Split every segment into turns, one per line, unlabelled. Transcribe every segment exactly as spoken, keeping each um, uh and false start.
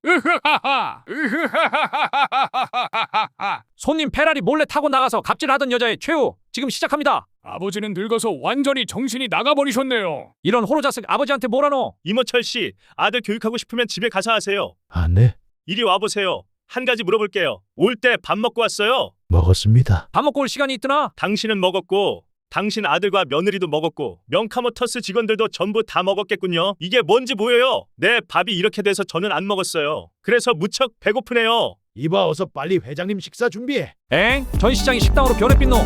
으흐하하. 으흐하하하하하하하.
손님 페라리 몰래 타고 나가서 갑질하던 여자의 최후 지금 시작합니다.
아버지는 늙어서 완전히 정신이 나가버리셨네요.
이런 호로자식 아버지한테 뭐라노?
이모철 씨, 아들 교육하고 싶으면 집에 가서 하세요.
아, 네,
이리 와보세요. 한 가지 물어볼게요. 올 때 밥 먹고 왔어요?
먹었습니다.
밥 먹고 올 시간이 있더나?
당신은 먹었고 당신 아들과 며느리도 먹었고 명카모터스 직원들도 전부 다 먹었겠군요. 이게 뭔지 보여요? 네, 밥이 이렇게 돼서 저는 안 먹었어요. 그래서 무척 배고프네요.
이봐, 어서 빨리 회장님 식사 준비해.
엥? 전 시장이 식당으로 변해빛 노.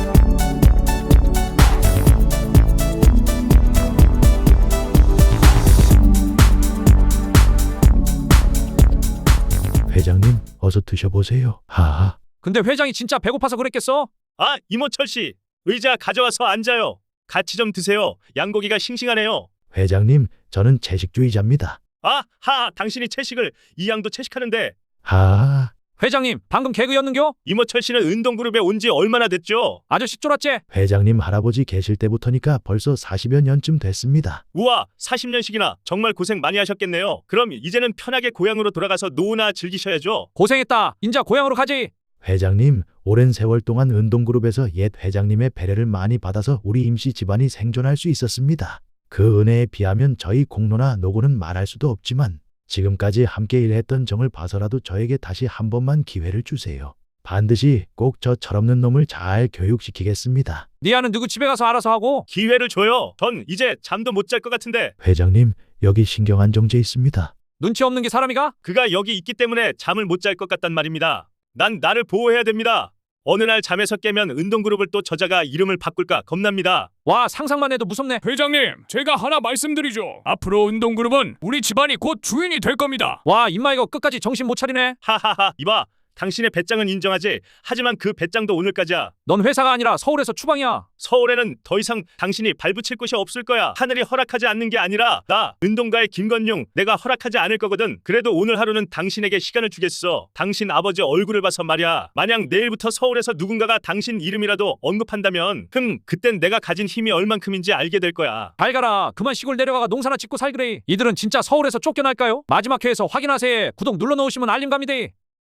회장님, 어서 드셔보세요. 하하.
근데 회장이 진짜 배고파서 그랬겠어?
아, 이모철 씨, 의자 가져와서 앉아요. 같이 좀 드세요. 양고기가 싱싱하네요.
회장님, 저는 채식주의자입니다.
아, 하, 당신이 채식을, 이 양도 채식하는데.
하하.
회장님 방금 개그였는겨?
이모철 씨는 운동그룹에 온 지 얼마나 됐죠?
아저씨 쫄았지?
회장님 할아버지 계실 때부터니까 벌써 사십여 년쯤 됐습니다.
우와, 사십 년씩이나 정말 고생 많이 하셨겠네요. 그럼 이제는 편하게 고향으로 돌아가서 노후나 즐기셔야죠.
고생했다. 인자 고향으로 가지.
회장님, 오랜 세월 동안 운동그룹에서 옛 회장님의 배려를 많이 받아서 우리 임씨 집안이 생존할 수 있었습니다. 그 은혜에 비하면 저희 공로나 노고는 말할 수도 없지만 지금까지 함께 일했던 정을 봐서라도 저에게 다시 한 번만 기회를 주세요. 반드시 꼭 저 철없는 놈을 잘 교육시키겠습니다.
네 아는 누구 집에 가서 알아서 하고.
기회를 줘요. 전 이제 잠도 못 잘 것 같은데.
회장님, 여기 신경안정제 있습니다.
눈치 없는 게 사람이가?
그가 여기 있기 때문에 잠을 못 잘 것 같단 말입니다. 난 나를 보호해야 됩니다. 어느 날 잠에서 깨면 운동그룹을 또 저자가 이름을 바꿀까 겁납니다.
와, 상상만 해도 무섭네.
회장님, 제가 하나 말씀드리죠. 앞으로 운동그룹은 우리 집안이 곧 주인이 될 겁니다.
와, 임마 이거 끝까지 정신 못 차리네.
하하하, 이봐. 당신의 배짱은 인정하지. 하지만 그 배짱도 오늘까지야.
넌 회사가 아니라 서울에서 추방이야.
서울에는 더 이상 당신이 발붙일 곳이 없을 거야. 하늘이 허락하지 않는 게 아니라 나 운동가의 김건용, 내가 허락하지 않을 거거든. 그래도 오늘 하루는 당신에게 시간을 주겠어. 당신 아버지 얼굴을 봐서 말이야. 만약 내일부터 서울에서 누군가가 당신 이름이라도 언급한다면 흠, 그땐 내가 가진 힘이 얼만큼인지 알게 될 거야.
잘 가라. 그만 시골 내려가가 농사나 짓고 살그래. 이들은 진짜 서울에서 쫓겨날까요? 마지막 회에서 확인하세요. 구독 눌러놓으시면 알림 갑니다.